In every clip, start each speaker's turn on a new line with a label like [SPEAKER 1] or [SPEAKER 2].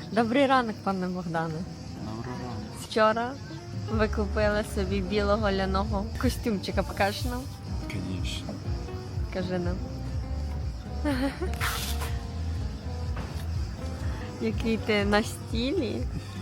[SPEAKER 1] Добрий ранок, пане Богдане.
[SPEAKER 2] Доброго ранку.
[SPEAKER 1] Вчора ви купили собі білого ляного костюмчика. Покажеш нам?
[SPEAKER 2] Конечно.
[SPEAKER 1] Кажи нам. Який ти на стілі.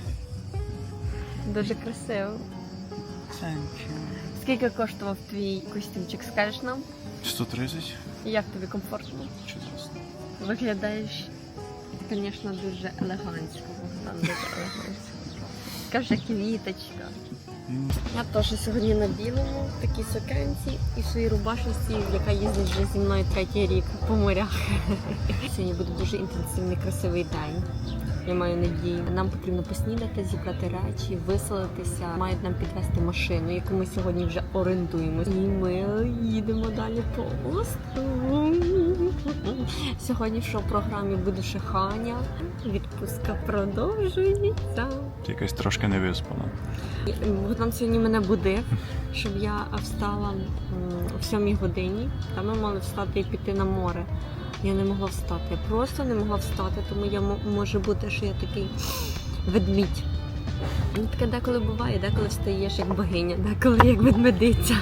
[SPEAKER 1] Дуже красиво.
[SPEAKER 2] Thank you.
[SPEAKER 1] Скільки коштував твій костюмчик? Скажеш нам?
[SPEAKER 2] 130?
[SPEAKER 1] Як тобі комфортно?
[SPEAKER 2] Чудесно.
[SPEAKER 1] Виглядаєш, звісно, дуже елегантсько, Богдан, дуже елегантсько. Каже, квіточка. Я теж сьогодні на білому, в такій сукенці і в своїй рубашці, яка їздить вже зі мною третій рік по морях. Сьогодні буде дуже інтенсивний, красивий день. Я маю надію. Нам потрібно поснідати, зібрати речі, виселитися. Мають нам підвезти машину, яку ми сьогодні вже орендуємо. І ми їдемо далі по острову. Сьогодні в шоу-програмі буде шихання. Відпустка продовжується.
[SPEAKER 2] Ти якась трошки не виспана.
[SPEAKER 1] Богдан сьогодні мене будив, щоб я встала о 7 годині. Та ми мали встати і піти на море. Я не могла встати. Я просто не могла встати, тому я може бути, що я такий ведмідь. Ну, таке деколи буває, деколи встаєш як богиня, деколи як ведмедиця.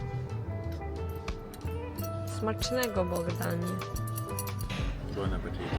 [SPEAKER 1] Смачного, Богдані.
[SPEAKER 2] Твой апетит.